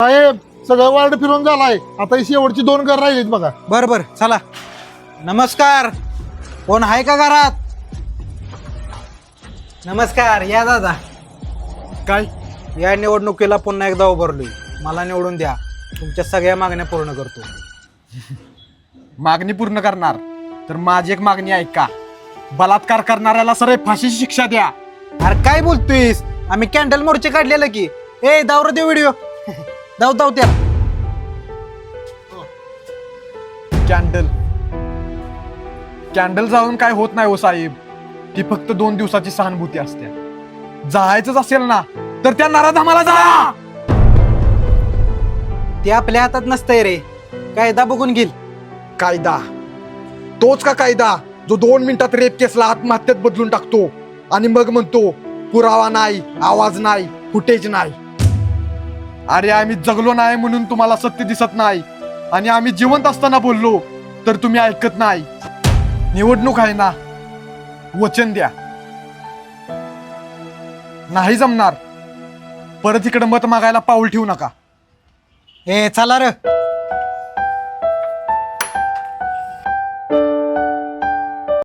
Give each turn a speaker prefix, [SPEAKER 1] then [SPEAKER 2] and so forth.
[SPEAKER 1] साहेब सगळं वार्ड फिरून झालाय, आता ही शेवटची 2 घर राहिलीत बघा.
[SPEAKER 2] बर बर चला. नमस्कार. कोण आहे का घरात? नमस्कार. या दादा.
[SPEAKER 3] काय
[SPEAKER 2] या निवडणुकीला पुन्हा एकदा उभारलोय. मला निवडून द्या. तुमच्या सगळ्या मागण्या पूर्ण करतो.
[SPEAKER 3] मागणी पूर्ण करणार तर माझी एक मागणी ऐका. बलात्कार करणाऱ्याला सरळ फाशीची शिक्षा द्या.
[SPEAKER 2] अरे काय बोलतोयस? आम्ही कॅन्डल मोर्चे काढलेलं की. ए दावर दे व्हिडिओ. दाव दाव त्या.
[SPEAKER 3] कॅन्डल कॅन्डल जाळून काय होत नाही हो साहेब. ती फक्त 2 दिवसाची सहानुभूती असते. जायचंच असेल ना तर त्या नराधमाला जा.
[SPEAKER 2] ते आपल्या हातात नसतंय रे. कायदा बघून घेईल.
[SPEAKER 3] कायदा तोच का कायदा जो 2 मिनिटात रेप केसला आत्महत्येत बदलून टाकतो आणि मग म्हणतो पुरावा नाही, आवाज नाही, फुटेज नाही. अरे आम्ही जगलो नाही म्हणून तुम्हाला सत्य दिसत नाही, आणि आम्ही जिवंत असताना बोललो तर तुम्ही ऐकत नाही. निवडणूक आहे ना, वचन द्या. नाही जमणार परत इकडे मत मागायला पाऊल ठेवू नका.
[SPEAKER 2] ए चला र.